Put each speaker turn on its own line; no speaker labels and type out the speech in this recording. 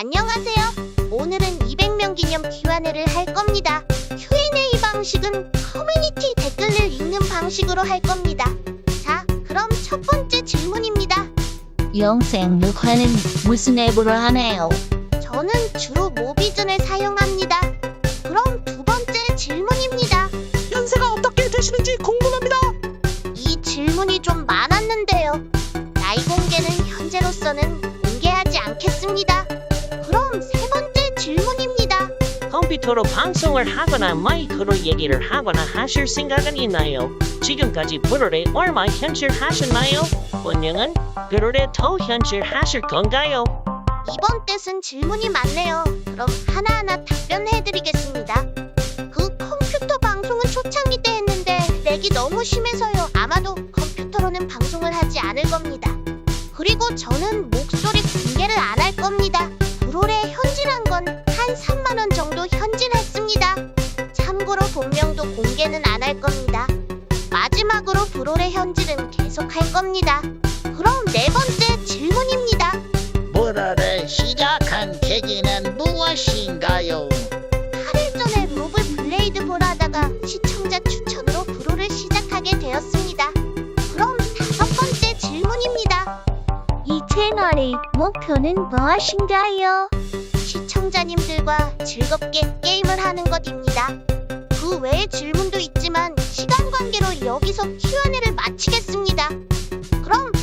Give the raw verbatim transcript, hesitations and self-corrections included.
안녕하세요. 오늘은 이백 명 기념 큐앤에이를 할 겁니다. 큐앤에이 방식은 커뮤니티 댓글을 읽는 방식으로 할 겁니다. 자, 그럼 첫 번째 질문입니다.
영생 녹화는 무슨 앱으로 하나요?
저는 주로 모비즌을 사용합니다. 그럼 두 번째 질문입니다.
연세가 어떻게 되시는지 궁금합니다.
이 질문이 좀 많았는데요. 나이 공개는 현재로서는 공개하지 않겠습니다. 그럼 세 번째 질문입니다.
컴퓨터로 방송을 하거나 마이크로 얘기를 하거나 하실 생각은 있나요? 지금까지 브롤에 얼마 현질하셨나요? 본명은 브롤에 더 현질하실 건가요?
이번 뜻은 질문이 많네요. 그럼 하나하나 답변해드리겠습니다. 그 컴퓨터 방송은 초창기 때 했는데 렉이 너무 심해서요. 아마도 컴퓨터로는 방송을 하지 않을 겁니다. 그리고 저는 목소리 공개를 안 할 겁니다. 브롤에 현질한 건 한 삼만 원 정도 현질했습니다. 참고로 본명도 공개는 안 할 겁니다. 마지막으로 브롤의 현질은 계속 할 겁니다. 그럼 네 번째 질문입니다.
브롤을 시작한 계기는 무엇인가요?
팔 일 전에 로블 블레이드 볼 하다가 시청자 추천으로 브롤을 시작하게 되었습니다. 그럼 다섯 번째 질문입니다.
이 채널의 목표는 무엇인가요?
시청자님들과 즐겁게 게임을 하는 것입니다. 그 외의 질문도 있지만 시간 관계로 여기서 큐앤에이를 마치겠습니다. 그럼